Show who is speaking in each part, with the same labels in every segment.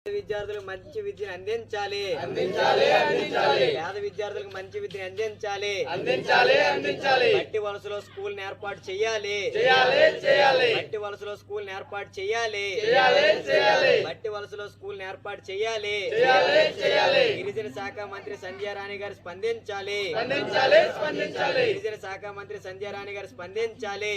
Speaker 1: విద్యార్థులకు మంచి విద్యను అందించాలి. పేద విద్యార్థులకు మంచి విద్యను అందించాలి. మట్టి వలసలో స్కూల్ ఏర్పాటు చేయాలి. మట్టి వలసలో స్కూల్ ఏర్పాటు చేయాలి. మట్టి వలసలో స్కూల్ ఏర్పాటు చేయాలి. గిరిజన శాఖ మంత్రి సంధ్యా రాణి గారు స్పందించాలి. గిరిజన శాఖ మంత్రి సంధ్యా రాణి గారు స్పందించాలి.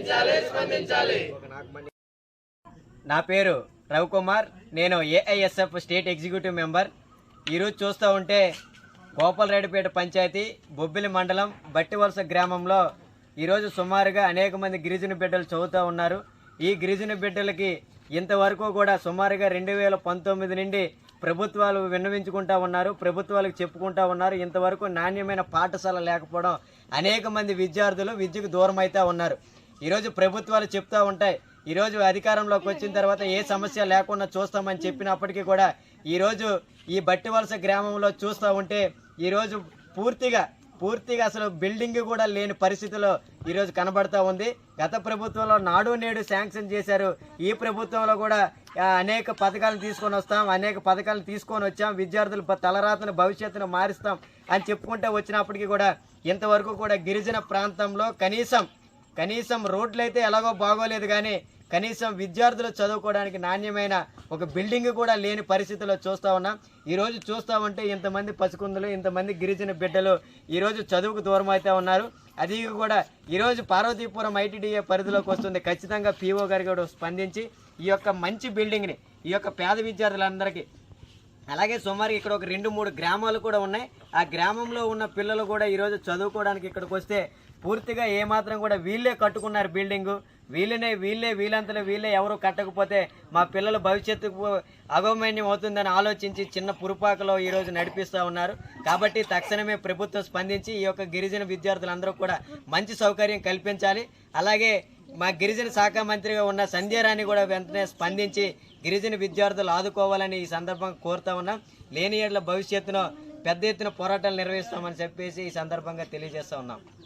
Speaker 1: నా పేరు రవికుమార్, నేను ఏఐఎస్ఎఫ్ స్టేట్ ఎగ్జిక్యూటివ్ మెంబర్. ఈరోజు చూస్తూ ఉంటే గోపాలరెడ్డిపేట పంచాయతీ బొబ్బిలి మండలం బట్టివలస గ్రామంలో ఈరోజు సుమారుగా అనేక మంది గిరిజన బిడ్డలు చదువుతూ ఉన్నారు. ఈ గిరిజన బిడ్డలకి ఇంతవరకు కూడా సుమారుగా 2019 నుండి ప్రభుత్వాలు విన్నవించుకుంటా ఉన్నారు, ప్రభుత్వాలకు చెప్పుకుంటా ఉన్నారు. ఇంతవరకు నాణ్యమైన పాఠశాల లేకపోవడం అనేక మంది విద్యార్థులు విద్యకు దూరం అవుతూ ఉన్నారు. ఈరోజు ప్రభుత్వాలు చెప్తూ ఉంటాయి, ఈరోజు అధికారంలోకి వచ్చిన తర్వాత ఏ సమస్య లేకుండా చూస్తామని చెప్పినప్పటికీ కూడా ఈరోజు ఈ బట్టివలస గ్రామంలో చూస్తూ ఉంటే ఈరోజు పూర్తిగా అసలు బిల్డింగ్ కూడా లేని పరిస్థితిలో ఈరోజు కనబడతా ఉంది. గత ప్రభుత్వంలో నాడు నేడు శాంక్షన్ చేశారు. ఈ ప్రభుత్వంలో కూడా అనేక పథకాలను తీసుకొని వచ్చాం. విద్యార్థుల తలరాతను భవిష్యత్తును మారుస్తాం అని చెప్పుకుంటూ వచ్చినప్పటికీ కూడా ఇంతవరకు కూడా గిరిజన ప్రాంతంలో కనీసం రోడ్లు అయితే ఎలాగో బాగోలేదు, కానీ కనీసం విద్యార్థులు చదువుకోవడానికి నాణ్యమైన ఒక బిల్డింగ్ కూడా లేని పరిస్థితిలో చూస్తూ ఉన్నాం. ఈరోజు చూస్తూ ఉంటే ఇంతమంది పసికుందులు, ఇంతమంది గిరిజన బిడ్డలు ఈరోజు చదువుకు దూరం అవుతూ ఉన్నారు. అది కూడా ఈరోజు పార్వతీపురం ఐటీడీఏ పరిధిలోకి వస్తుంది. ఖచ్చితంగా పీఓ గారు కూడా స్పందించి ఈ యొక్క మంచి బిల్డింగ్ని ఈ యొక్క పేద విద్యార్థులందరికీ, అలాగే సుమారు ఇక్కడ ఒక 2-3 గ్రామాలు కూడా ఉన్నాయి. ఆ గ్రామంలో ఉన్న పిల్లలు కూడా ఈరోజు చదువుకోవడానికి ఇక్కడికి వస్తే పూర్తిగా ఏమాత్రం కూడా వీళ్ళే కట్టుకున్నారు బిల్డింగు. వీళ్ళంతలో వీళ్ళే ఎవరు కట్టకపోతే మా పిల్లల భవిష్యత్తుకు అగౌమన్యం అవుతుందని ఆలోచించి చిన్న పురుపాకలో ఈరోజు నడిపిస్తూ ఉన్నారు. కాబట్టి తక్షణమే ప్రభుత్వం స్పందించి ఈ యొక్క గిరిజన విద్యార్థులందరూ కూడా మంచి సౌకర్యం కల్పించాలి. అలాగే మా గిరిజన శాఖ మంత్రిగా ఉన్న సంధ్యా రాణి కూడా వెంటనే స్పందించి గిరిజన విద్యార్థులు ఆదుకోవాలని ఈ సందర్భంగా కోరుతా ఉన్నాం. లేని ఏళ్ల భవిష్యత్తులో పెద్ద ఎత్తున పోరాటాలు నిర్వహిస్తామని చెప్పేసి ఈ సందర్భంగా తెలియజేస్తా ఉన్నాం.